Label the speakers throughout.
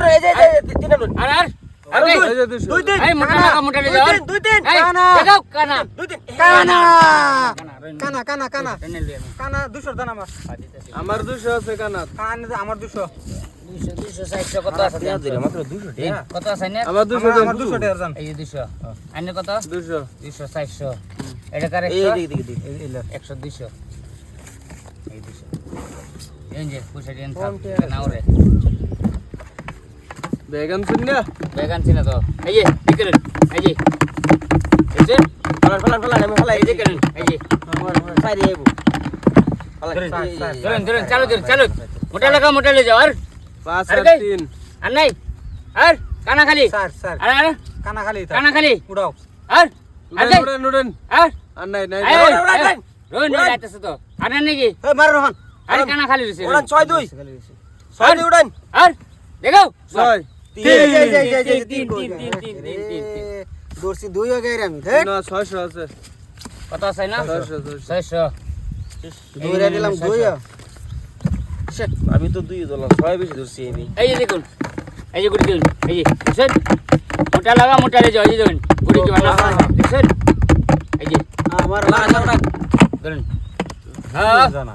Speaker 1: এই যে তিনটা নোট
Speaker 2: আর
Speaker 3: আর
Speaker 2: এই
Speaker 3: এই যে 200
Speaker 2: দুই তিন এই মোটা লাগা যাও
Speaker 1: দুই তিন
Speaker 2: কানা দেখাও কানা
Speaker 1: দুই তিন
Speaker 4: কানা
Speaker 2: কানা
Speaker 4: কানা কানা কানা
Speaker 2: টেনে লিয়ে আমি
Speaker 4: কানা 200 দান আমার
Speaker 3: আমার 200 আছে কানাত
Speaker 4: কানা আমার 200
Speaker 2: 200 260 কত আছে
Speaker 1: টাকা দিলাম মাত্র 200 টাকা
Speaker 2: কত আছে না
Speaker 3: আমার 200
Speaker 4: আমার 200 টাকা দান
Speaker 2: এই যে 200 আইনে কত
Speaker 3: 200
Speaker 2: 200 400 এটা কার
Speaker 1: এই
Speaker 2: 100
Speaker 1: দিকে দিকে
Speaker 4: এই
Speaker 2: 100 200 এই 200 এই যে পয়সা দেন থাক নাও রে
Speaker 3: বেগান শুননা
Speaker 2: বেগান ছিল তো এই যে দেখেন এই যে
Speaker 1: ফলান আমি ফলাই
Speaker 2: এই যে দেখেন এই যে
Speaker 1: সাইরে আইবো
Speaker 2: ধরেন চালু মোটা লে যাও আর
Speaker 3: 5
Speaker 2: আর
Speaker 3: আর
Speaker 2: কই?
Speaker 3: 3
Speaker 2: আর নাই আর কানা খালি
Speaker 4: স্যার স্যার
Speaker 2: আর
Speaker 4: কানা খালি
Speaker 2: কানা খালি
Speaker 4: উড়াও
Speaker 2: আর আর কই?
Speaker 3: নুডন
Speaker 2: আর
Speaker 3: আর নাই নাই
Speaker 2: এই,
Speaker 1: উড়ান, উড়ান।
Speaker 2: রোন রোন আইতাছে তো আর নাই নাকি
Speaker 1: এই মার রোহন
Speaker 2: আর কানা খালি রইছে
Speaker 1: উড়ান 6-2 6-2 উড়ান
Speaker 2: আর দেখো
Speaker 3: 6
Speaker 4: দর্শি দুই হয়ে গেছে আমি দেখ
Speaker 3: না 600 আছে
Speaker 2: কত আছে না
Speaker 3: 600
Speaker 2: 600
Speaker 4: দুইরা দিলাম দুই
Speaker 1: আমি তো 2 দিলাম 6 বেশি ধরছি আমি
Speaker 2: এই যে দেখুন এই যে গুড়ি দিন এই যে দেখছেন মোটা লে যাও এই যে দেখুন গুড়ি কি বানা দেখছেন এই যে
Speaker 4: আমার
Speaker 2: ধরুন হ্যাঁ
Speaker 4: জানা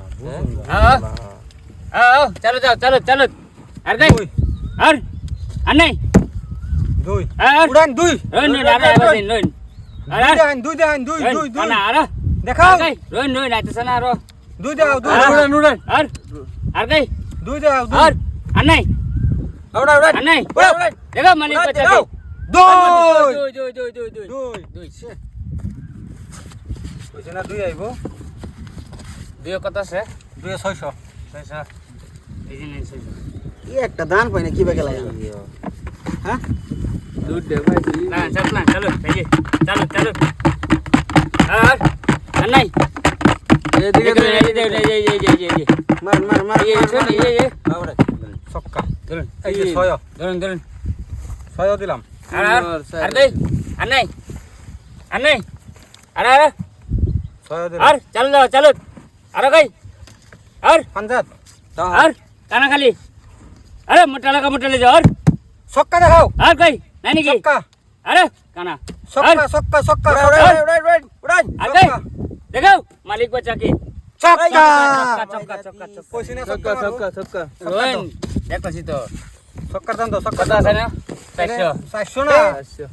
Speaker 2: চলো আর কই আর নাই
Speaker 4: দুই
Speaker 2: আর
Speaker 4: উড়ান দুই
Speaker 2: রোন আর আইবাদিন রোন আর
Speaker 4: দুই দেন দুই
Speaker 2: কানা আর
Speaker 4: দেখাও
Speaker 2: কই রোন আইতাছে না আর
Speaker 4: দুই দাও দুই
Speaker 3: নুডন
Speaker 2: আর কই
Speaker 4: দুই দাও দুই
Speaker 2: আর নাই
Speaker 1: উড়ান উড়ান
Speaker 2: আর নাই
Speaker 1: উড়ান
Speaker 2: দেখো মালিক বাচ্চা
Speaker 1: দাও।
Speaker 4: দুই
Speaker 2: দুই
Speaker 4: কইছে না দুই আইবো
Speaker 2: দুই কত আছে
Speaker 4: 600
Speaker 2: 600 এই যে নেন 600
Speaker 4: এই একটা দান পাই না কি বেকে লাগে হ্যাঁ
Speaker 3: দুধ দে ভাই
Speaker 2: চলো এই যে চলো আর নাই
Speaker 3: এদিকে
Speaker 2: এই যে
Speaker 4: মার মার মার
Speaker 2: এই
Speaker 4: সক্কা
Speaker 2: ধরুন
Speaker 4: এই যে 6
Speaker 2: ধরুন
Speaker 4: 6 দিলাম
Speaker 2: আর কই আর নাই আর
Speaker 4: 6 দিলাম
Speaker 2: আর চলো আর কই আর
Speaker 4: পাঞ্জাত
Speaker 2: আর কানা খালি আরে মোটা লে যাও আর
Speaker 4: সক্কা দেখাও
Speaker 2: আর কই নাই নাকি
Speaker 4: সক্কা
Speaker 2: আরে কানা
Speaker 4: সক্কা
Speaker 1: উড়ান
Speaker 2: আর কই দেখো মালিক বাচ্চা কি
Speaker 4: সক্কা
Speaker 2: চক্কা
Speaker 4: কইছি না
Speaker 3: ছক্কা ছক্কা ছক্কা
Speaker 2: রোন দেখতাছি তো
Speaker 4: সক্কার দাম দাও সক্কা
Speaker 2: কত আছে না 400
Speaker 4: 400 না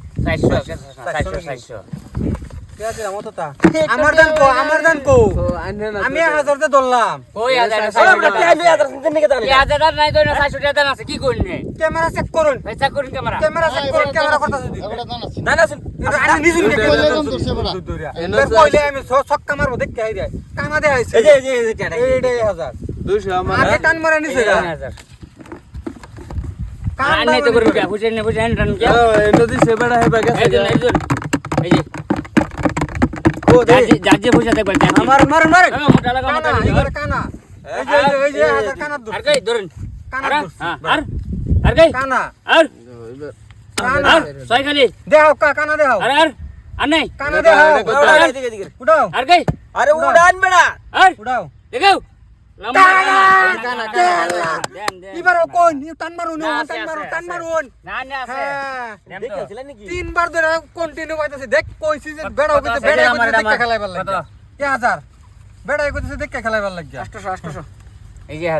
Speaker 2: 400
Speaker 4: কে দিলাম অতটা আমার দান কো আমি 1000 তে ধরলাম
Speaker 2: কই হাজার
Speaker 1: আমি আদার সিন নিকে জানি
Speaker 2: হাজার নাই তো না 400 টাকা আছে কি করনে
Speaker 4: ক্যামেরা চেক করুন
Speaker 2: পয়সা করুন ক্যামেরা
Speaker 4: ক্যামেরা করতেছে দিদি
Speaker 1: না না শুন
Speaker 4: আমি নিজে নিজে কইলে আমি ছক্কা মারবো দেখ কে আইরে কানা দে আইছে
Speaker 1: এই যে
Speaker 4: এইটাই 1000
Speaker 3: 200 আমার
Speaker 4: আগে টান মারা নিছে গা কান
Speaker 2: আর নাই তো করুন কে বুঝেন রান কে
Speaker 3: নদী সে বড় হে বাগে
Speaker 2: এই যে
Speaker 4: ও দে
Speaker 2: জাজে পয়সা দেখবেন
Speaker 4: আমার মার
Speaker 2: মোটা লাগা
Speaker 4: কানা এবারে কানা এই যে 1000 কানা দূর
Speaker 2: আর কই ধরুন
Speaker 4: কানা
Speaker 2: আর কই
Speaker 4: কানা
Speaker 2: আর
Speaker 4: কানা
Speaker 2: ছয় খালি
Speaker 4: দেখাও কানা দেখাও
Speaker 2: আর নাই
Speaker 4: কানা দেখাও
Speaker 1: দিকে দিকে
Speaker 4: উঠাও
Speaker 2: আর কই
Speaker 1: আরে উড়ান বেড়া
Speaker 2: আর
Speaker 4: উঠাও
Speaker 2: দেখো
Speaker 4: কানা এবার কোন টান মারুন টান মারুন
Speaker 2: না আছে
Speaker 4: হ্যাঁ
Speaker 1: দেখেছিলেন নাকি
Speaker 4: তিনবার ধরে কন্টিনিউ পাইতেছে দেখ কইছি যে বেড়া কইতে বেড়া কইতে দেখতে খেলাইবার লাগে 1000 বেড়া কইতেছে দেখতে খেলাইবার লাগে
Speaker 2: 800 এই যে